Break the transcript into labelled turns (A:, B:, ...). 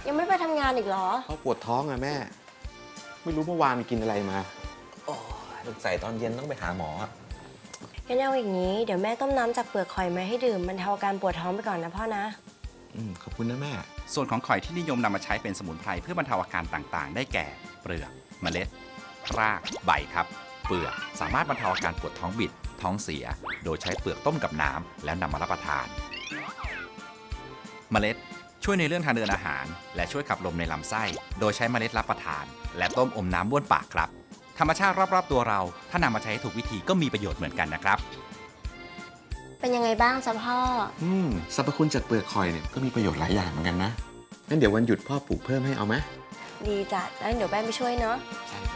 A: ยังไม่ไปทำงานอีกเหรอ
B: เขาปวดท้องอะแม่ ไม่รู้เมื่อวานกินอะไรมา
C: โอ้สงสัยตอนเย็นต้องไปหาหมอ
A: งั้นเอาอย่างนี้เดี๋ยวแม่ต้มน้ำจากเปลือกหอยมาให้ดื่มบรรเทาอาการปวดท้องไปก่อนนะพ่อนะ
B: ขอบคุณนะแม่
D: ส่วนของข่อยที่นิยมนำมาใช้เป็นสมุนไพรเพื่อบรรเทาอาการต่างๆ ได้แก่ เปลือก เมล็ด ราก ใบครับ เปลือกสามารถบรรเทาอาการปวดท้องบิด ท้องเสีย โดยใช้เปลือกต้มกับน้ำแล้วนำมารับประทาน เมล็ดช่วยในเรื่องทางเดินอาหาร และช่วยขับลมในลำไส้ โดยใช้เมล็ดรับประทาน และต้มอมน้ำบ้วนปากครับ ธรรมชาติรอบๆตัวเราถ้านำมาใช้ให้ถูกวิธีก็มีประโยชน์เหมือนกันนะครับ
A: เป็นยังไงบ้างจ๊ะพ่อ
B: สรรพคุณจากเปลือกหอยเนี่ยก็มีประโยชน์หลายอย่างเหมือนกันนะ งั้นเดี๋ยววันหยุดพ่อปลูกเพิ่มให้เอาไหม
A: ดีจัดแล้วเดี๋ยวแม่ไปช่วยเนาะ
B: ใช่